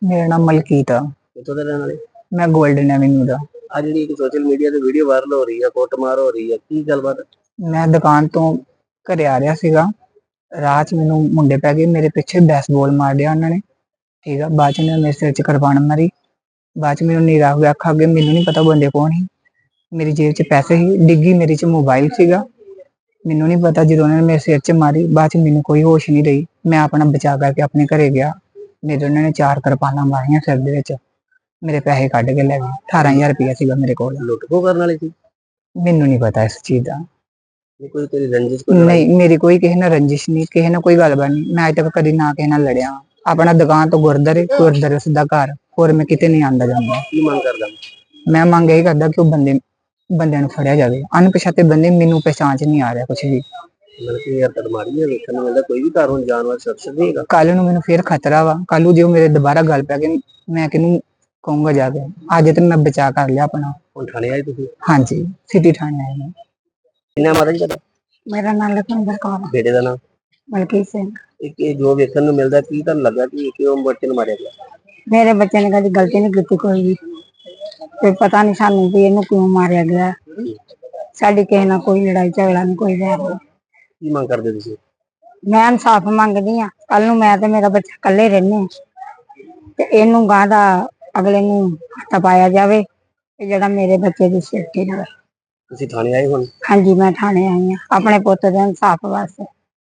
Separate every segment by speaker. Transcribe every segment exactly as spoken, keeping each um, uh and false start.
Speaker 1: ਮੇਰਾ ਨਾਮ ਮਲਕੀਤ ਆ।
Speaker 2: ਕਿੱਥੋਂ ਦੇ ਰਹਿਣ ਵਾਲੇ?
Speaker 1: ਮੈਂ ਗੋਲਡਨ ਐਵਨਿਊ ਦਾ।
Speaker 2: ਆ ਜਿਹੜੀ ਇੱਕ ਸੋਸ਼ਲ ਮੀਡੀਆ ਤੇ ਵੀਡੀਓ ਵਾਇਰਲ ਹੋ ਰਹੀ ਹੈ, ਕੁੱਟਮਾਰ ਹੋ ਰਹੀ ਹੈ, ਕੀ ਗੱਲਬਾਤ?
Speaker 1: ਮੈਂ ਦੁਕਾਨ ਤੋਂ ਘਰੇ ਆ ਰਿਹਾ ਸੀਗਾ, ਰਾਹ 'ਚ ਮੈਨੂੰ ਮੁੰਡੇ ਪੈ ਗਏ, ਮੇਰੇ ਪਿੱਛੇ ਬੈਸਬਾਲ ਮਾਰ ਦਿਆ ਉਹਨਾਂ ਨੇ। ਠੀਕ ਆ, ਬਾਅਦ 'ਚ ਉਹਨਾਂ ਨੇ ਮੇਰੇ ਸਿਰ 'ਚ ਕਿਰਪਾਨ ਮਾਰੀ। ਬਾਅਦ 'ਚ ਮੈਨੂੰ ਨੀਰਾ ਹੋ ਗਿਆ ਅੱਖਾਂ ਅੱਗੇ, ਮੈਨੂੰ ਨਹੀਂ ਪਤਾ ਬੰਦੇ ਕੌਣ ਸੀ। ਮੇਰੀ ਜੇਬ 'ਚ ਪੈਸੇ ਸੀ, ਡਿੱਗੀ ਮੇਰੇ 'ਚ ਮੋਬਾਈਲ ਸੀਗਾ। ਮੈਨੂੰ ਨਹੀਂ ਪਤਾ, ਜਦੋਂ ਉਹਨਾਂ ਨੇ ਮੇਰੇ ਸਿਰ 'ਚ ਮਾਰੀ ਬਾਅਦ 'ਚ ਮੈਨੂੰ ਕੋਈ ਹੋਸ਼ ਨਹੀਂ ਰਹੀ। ਮੈਂ ਆਪਣਾ ਬਚਾ ਕਰਕੇ ਆਪਣੇ ਘਰੇ ਗਿਆ। ਮੇਰੇ ਉਹਨਾਂ ਨੇ ਚਾਰ ਕਿਰਪਾਨਾਂ ਮਾਰੀਆਂ ਸਿਰ ਦੇ ਵਿੱਚ, ਮੇਰੇ ਪੈਸੇ ਕੱਢ ਕੇ ਲੈ ਗਏ। ਅਠਾਰਾਂ ਹਜ਼ਾਰ ਰੁਪਇਆ ਸੀਗਾ ਮੇਰੇ ਕੋਲ।
Speaker 2: ਲੁੱਟ ਖੋਹ ਕਰਨ ਵਾਲੀ ਸੀ?
Speaker 1: ਮੈਨੂੰ ਨਹੀਂ ਪਤਾ ਇਸ ਚੀਜ਼ ਦਾ।
Speaker 2: ਨਹੀਂ ਕੋਈ ਤੇਰੀ ਰੰਜਿਸ਼ ਕੋਈ ਲੜਾਈ?
Speaker 1: ਨਹੀਂ, ਮੇਰੀ ਕੋਈ ਕਿਸੇ ਨਾਲ ਰੰਜਿਸ਼ ਨਹੀਂ, ਕਿਸੇ ਨਾਲ ਕੋਈ ਗੱਲਬਾਤ ਨਹੀਂ। ਮੈਂ ਅੱਜ ਤੱਕ ਕਦੀ ਨਾ ਕਿਸੇ ਨਾਲ ਲੜਿਆ। ਆਪਣਾ ਦੁਕਾਨ ਤੋਂ ਗੁਰਦੁਆਰੇ, ਗੁਰਦੁਆਰੇ ਸਿੱਧਾ ਘਰ, ਹੋਰ ਮੈਂ ਕਿਤੇ ਨਹੀਂ ਆਉਂਦਾ ਜਾਂਦਾ।
Speaker 2: ਕੀ ਮੰਗ ਕਰਦਾ?
Speaker 1: ਮੈਂ ਮੰਗ ਇਹ ਕਰਦਾ ਕਿ ਉਹ ਬੰਦੇ ਬੰਦਿਆਂ ਨੂੰ ਫੜਿਆ ਜਾਵੇ। ਅਣਪਛਾਤੇ ਬੰਦੇ, ਮੈਨੂੰ ਪਹਿਚਾਣ 'ਚ ਨਹੀਂ ਆ ਰਿਹਾ ਕੁਛ ਵੀ।
Speaker 2: ਮਤਲਬ ਕਿ ਯਾਰ ਤੜਮਾਰੀ ਹੈ, ਵੇਖਣ ਨੂੰ ਮਿਲਦਾ ਕੋਈ ਵੀ ਘਰ ਹੁਣ ਜਾਣ ਵਾਲਾ ਸ਼ਖਸ ਨਹੀਂ ਹੈਗਾ।
Speaker 1: ਕੱਲ ਨੂੰ ਮੈਨੂੰ ਫੇਰ ਖਤਰਾ ਵਾ, ਕੱਲ ਨੂੰ ਜੇ ਉਹ ਮੇਰੇ ਦੁਬਾਰਾ ਗੱਲ ਪੈ ਗਏ, ਮੈਂ ਕਿਹਨੂੰ ਕਹੂੰਗਾ ਜਾ ਕੇ। ਅੱਜ ਤੇ ਮੈਂ ਬਚਾ ਕਰ ਲਿਆ ਆਪਣਾ।
Speaker 2: ਹੁਣ ਥਾਣੇ ਆਏ ਤੁਸੀਂ?
Speaker 1: ਹਾਂਜੀ, ਸਿਟੀ ਥਾਣੇ ਆਏ ਨੇ।
Speaker 2: ਕਿੰਨਾ ਮਾਤਾ ਜੀ ਤੁਹਾਡਾ?
Speaker 1: ਮੇਰਾ ਨਾਮ ਲਖਵਿੰਦਰ ਕੌਰ।
Speaker 2: ਬੇਟੇ ਦਾ ਨਾਮ?
Speaker 1: ਮਲਕੀਤ ਸਿੰਘ।
Speaker 2: ਇੱਕ ਇਹ ਜੋ ਵੇਖਣ ਨੂੰ ਮਿਲਦਾ, ਕੀ ਤੁਹਾਨੂੰ ਲੱਗਾ ਕਿ ਕਿਉਂ ਬੱਚੇ ਨੂੰ ਮਾਰਿਆ ਗਿਆ?
Speaker 1: ਮੇਰੇ ਬੱਚੇ ਨੇ ਕਦੀ ਗਲਤੀ ਨਹੀਂ ਕੀਤੀ ਕੋਈ ਵੀ, ਤੇ ਪਤਾ ਨਹੀਂ ਸਾਨੂੰ ਵੀ ਇਹਨੂੰ ਕਿਉਂ ਮਾਰਿਆ ਗਿਆ। ਸਾਡੀ ਕਿਸੇ ਨਾਲ ਕੋਈ ਲੜਾਈ ਝਗੜਾ ਨਹੀਂ, ਕੋਈ ਵੈਰ ਨਹੀਂ।
Speaker 2: ਕੀ ਮੰਗ ਕਰਦੇ ਤੁਸੀਂ?
Speaker 1: ਮੈਂ ਇਨਸਾਫ ਮੰਗਦੀ ਆ। ਕੱਲ ਨੂੰ ਮੈਂ ਤੇ ਮੇਰਾ ਬੱਚਾ ਇਕੱਲੇ ਰਹਿੰਦੇ ਆ, ਤੇ ਇਹਨੂੰ ਗਾਂ ਦਾ ਅਗਲੇ ਨੂੰ ਹੱਥ ਪਾਇਆ ਜਾਵੇ, ਤੇ ਜਿਹੜਾ ਮੇਰੇ ਬੱਚੇ ਦੀ ਸੇਫਟੀ ਰਹੇ।
Speaker 2: ਤੁਸੀਂ ਥਾਣੇ ਆਏ ਹੁਣ?
Speaker 1: ਹਾਂਜੀ, ਮੈਂ ਥਾਣੇ ਆਈ ਆ ਆਪਣੇ ਪੁੱਤ ਦੇ ਇਨਸਾਫ ਵਾਸਤੇ।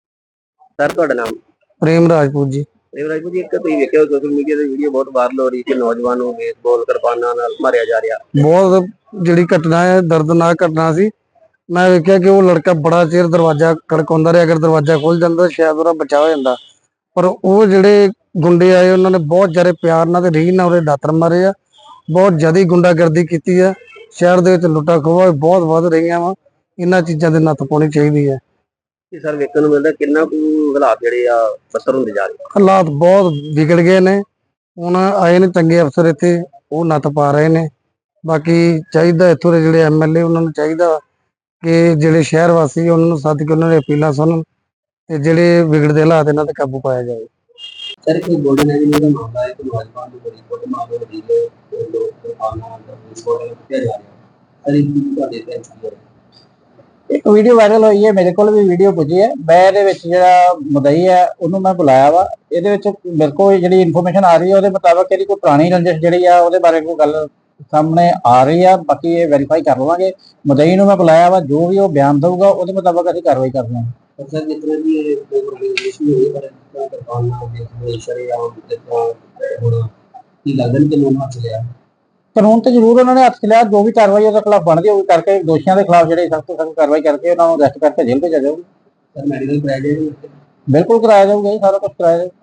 Speaker 2: ਸਰ ਤੁਹਾਡਾ ਨਾਮ?
Speaker 3: ਪ੍ਰੇਮ ਰਾਜਪੂਤ ਜੀ।
Speaker 2: ਪ੍ਰੇਮ ਰਾਜਪੂਤ ਜੀ, ਇੱਕ ਤੁਸੀਂ ਵੇਖਿਆ ਸੋਸ਼ਲ ਮੀਡੀਆ ਤੇ ਵੀਡੀਓ ਬਹੁਤ ਵਾਇਰਲ ਹੋ ਰਹੀ ਕਿ ਨੌਜਵਾਨ ਨੂੰ ਬੇਸਬਾਲ ਕਿਰਪਾਨਾਂ ਨਾਲ ਮਾਰਿਆ ਜਾ ਰਿਹਾ।
Speaker 3: ਬਹੁਤ ਜਿਹੜੀ ਘਟਨਾ ਹੈ ਦਰਦਨਾਕ ਘਟਨਾ ਸੀ। ਮੈਂ ਵੇਖਿਆ ਕਿ ਉਹ ਲੜਕਾ ਬੜਾ ਚਿਰ ਦਰਵਾਜ਼ਾ ਖੜਕਾਉਂਦਾ ਰਿਹਾ, ਅਗਰ ਦਰਵਾਜ਼ਾ ਖੁੱਲ ਜਾਂਦਾ ਸ਼ਾਇਦ ਉਹਦਾ ਬਚਾਅ ਹੋ ਜਾਂਦਾ, ਪਰ ਉਹ ਜਿਹੜੇ ਗੁੰਡੇ ਆਏ ਉਹਨਾਂ ਨੇ ਬਹੁਤ ਜ਼ਿਆਦਾ ਪਿਆਰ ਨਾਲ ਤੇ ਰੀਝ ਨਾਲ ਉਹਦੇ ਦਾਤਰ ਮਾਰੇ ਆ। ਬਹੁਤ ਜ਼ਿਆਦਾ ਗੁੰਡਾਗਰਦੀ ਕੀਤੀ ਆ। ਸ਼ਹਿਰ ਦੇ ਵਿੱਚ ਲੁੱਟਾਂ ਖੋਹਾਂ ਬਹੁਤ ਵੱਧ ਰਹੀਆਂ ਵਾ। ਇਹਨਾਂ ਚੀਜ਼ਾਂ ਦੇ ਨੱਥ ਪਾਉਣੀ ਚਾਹੀਦੀ ਹੈ।
Speaker 2: ਕਿ ਸਰ ਵੇਖਣ ਨੂੰ ਮਿਲਦਾ ਕਿੰਨਾ ਕੁ ਹਾਲਾਤ ਜਿਹੜੇ ਆ ਬੱਤਰ ਹੁੰਦੇ ਜਾ ਰਹੇ।
Speaker 3: ਹਾਲਾਤ ਬਹੁਤ ਵਿਗੜ ਗਏ ਨੇ। ਹੁਣ ਆਏ ਨੇ ਚੰਗੇ ਅਫਸਰ ਇੱਥੇ, ਉਹ ਨੱਥ ਪਾ ਰਹੇ ਨੇ। ਬਾਕੀ ਚਾਹੀਦਾ ਇੱਥੋਂ ਦੇ ਜਿਹੜੇ ਐਮ ਐਲ ਏ ਉਹਨਾਂ ਨੂੰ ਚਾਹੀਦਾ ਕਿ ਜਿਹੜੇ ਸ਼ਹਿਰ ਵਾਸੀ ਉਹਨਾਂ ਨੂੰ ਸੱਦ ਕੇ ਉਹਨਾਂ ਦੀ ਅਪੀਲਾਂ ਸੁਣਨ, ਤੇ ਜਿਹੜੇ ਵਿਗੜਦੇ ਹਾਲਾਤ ਇਹਨਾਂ ਤੇ ਕਾਬੂ ਪਾਇਆ ਜਾਵੇ।
Speaker 2: ਸਰ ਕੋਈ ਗੋਲਡਨ ਐਵਨਿਊ ਦਾ ਮਾਮਲਾ ਹੈ ਕਿ ਨੌਜਵਾਨ ਨੂੰ ਬੜੀ ਕੁੱਟ ਮਾਰ ਹੋ ਰਹੀ ਹੈ, ਲੋਕ ਕਿਰਪਾਨਾਂ ਨਾਲ ਵਿਸਫੋਟ ਕੀਤਾ ਜਾ ਰਿਹਾ ਹੈ। ਸਰ ਇਹ ਕੀ ਤੁਹਾਡੇ ਤੇ ਹੈ?
Speaker 4: ਇੱਕ ਵੀਡੀਓ ਵਾਇਰਲ ਹੋਈ ਹੈ, ਮੇਰੇ ਕੋਲ ਵੀ ਵੀਡੀਓ ਪੁੱਜੀ ਹੈ। ਮੈਂ ਇਹਦੇ ਵਿੱਚ ਜਿਹੜਾ ਮੁਦਈ ਹੈ ਉਹਨੂੰ ਮੈਂ ਬੁਲਾਇਆ ਵਾ। ਇਹਦੇ ਵਿੱਚ ਮੇਰੇ ਕੋਲ ਜਿਹੜੀ ਇਨਫੋਰਮੇਸ਼ਨ ਆ ਰਹੀ ਹੈ ਉਹਦੇ ਮੁਤਾਬਕ ਇਹਦੀ ਕੋਈ ਪੁਰਾਣੀ ਰੰਜਿਸ਼ ਜਿਹੜੀ ਆ ਉਹਦੇ ਬਾਰੇ ਕੋਈ ਗੱਲ ਸਾਹਮਣੇ ਆ ਰਹੀ ਆ। ਬਾਕੀ ਇਹ ਵੈਰੀਫਾਈ ਕਰ ਲਵਾਂਗੇ। ਮੁਦਈ ਨੂੰ ਮੈਂ ਬੁਲਾਇਆ ਵਾ, ਜੋ ਵੀ ਉਹ ਬਿਆਨ ਦਊਗਾ ਉਹਦੇ ਮੁਤਾਬਕ ਅਸੀਂ ਕਾਰਵਾਈ ਕਰ ਲਾਂਗੇ।
Speaker 2: ਸਰ ਜਿਸ ਤਰ੍ਹਾਂ ਦੀ ਇਹ ਪ੍ਰੋਗਰਾਮਾਈਜੇਸ਼ਨ ਹੋਈ ਪਰ ਕਿਰਪਾਨਾਂ ਦੇ ਸ਼ਰੇਆਮ ਕਿਰਪਾਨ ਹੁਣ ਕੀ ਲੱਗਦਾ ਨਹੀਂ ਕਿ ਲੋਕ ਹੱਥ ਲਿਆ
Speaker 4: ਕਾਨੂੰਨ ਤੇ ਜ਼ਰੂਰ ਉਹਨਾਂ ਨੇ ਹੱਥ ਲਿਆ। ਜੋ ਵੀ ਕਾਰਵਾਈ ਉਹਦੇ ਖਿਲਾਫ ਬਣਦੀ ਉਹ ਕਰਕੇ ਦੋਸ਼ੀਆਂ ਦੇ ਖਿਲਾਫ ਜਿਹੜੇ ਸਖਤ ਤੋਂ ਸਖਤ ਕਾਰਵਾਈ ਕਰਕੇ ਉਹਨਾਂ ਨੂੰ ਅਰੈਸਟ ਕਰਕੇ ਜੇਲ੍ਹ ਭੇਜਿਆ ਜਾਊਗਾ।
Speaker 2: ਸਰ ਮੈਡੀਕਲ ਕਰਾਇਆ ਜਾਏਗਾ?
Speaker 4: ਬਿਲਕੁਲ ਕਰਾਇਆ ਜਾਊਗਾ ਜੀ, ਸਾਰਾ ਕੁਝ ਕਰਾਇਆ ਜਾਊਗਾ।